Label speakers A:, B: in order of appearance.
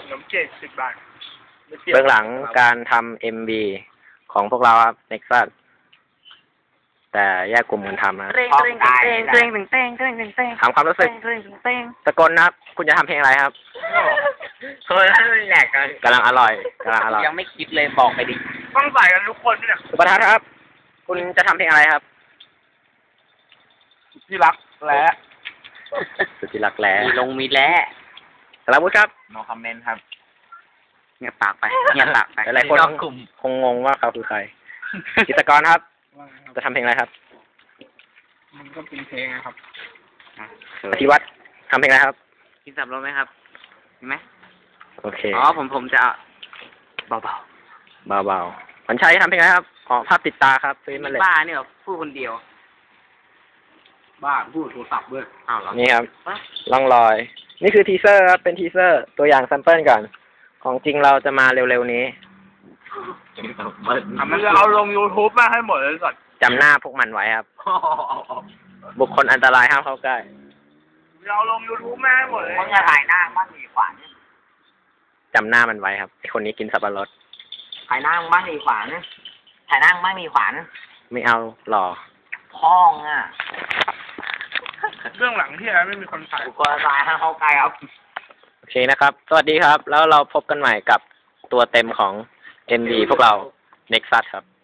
A: นมเจ็ด10 บาท
B: เบื้องหลังการทำ MV ของพวกเราครับ Nexus แต่แยกกลุ่มกันทำนะถามความรู้สึกสกลนะครับ คุณจะทำเพลงอะไรครับ
C: เฮ้ยแหลกกัน
B: กำลังอร่อย
C: ยังไม่คิดเลยบอกไปดิ
A: ต้องใส่กันทุกคนเนี่ย
B: สุภทัศน์ครับ คุณจะทำเพลงอะไรครับ
A: ที่รักและ
B: สุดที่รักแล้
C: มีแล้ว
B: สารวุฒิครับ
C: no comment ครับเงียบปากไป
B: หลายคนคงงงว่าเขาคือใครกิตกรครับ จะทำเพลงอะไรครับ
A: มันก็เป็นเพลงนะครับ
B: พิวัตรทำเพลงอะไรครับ
C: กินสับรถไหมครับเห็นไหม
B: โอเค
C: อ๋อผมจะเบา
B: วันชัยทำเพลงอะไรครับอ๋อภาพติดตาครับซื้อมาเลย
C: บ้าเนี่ยพูดคนเดียว
A: บ้าพูดโทรศัพท์ด้วย
C: อ้าวเหรอ
B: นี่ครับล่องลอยนี่คือทีเซอร์ครับเป็นทีเซอร์ตัวอย่างแซมเปิลก่อนของจริงเราจะมาเร็วๆนี้
A: มันจะเอาลง YouTube มาให้หมดเลยก่อน
B: จำหน้าพวกมันไว้ครับบุคคลอันตรายห้ามเข้าใกล้
A: เราลง YouTube มาให้หมดเลย
C: มันจะถ่ายหน้าบ้างดีขวาน
B: จำหน้ามันไว้ครับไอคนนี้กินสับปะรด
C: ถ่ายหน้าบ้างดีขวานถ่ายหน้าบ้างดีขวาน
B: ไม่เอาหล่อ
C: พ้อง
A: เรื่องหลังที่ไม่มีคนถ่าย
C: บุคคลอันตรายห้ามเข้าใกล้ครับ
B: โอเคนะครับสวัสดีครับแล้วเราพบกันใหม่กับตัวเต็มของ MV พวกเรา Nexus ครับ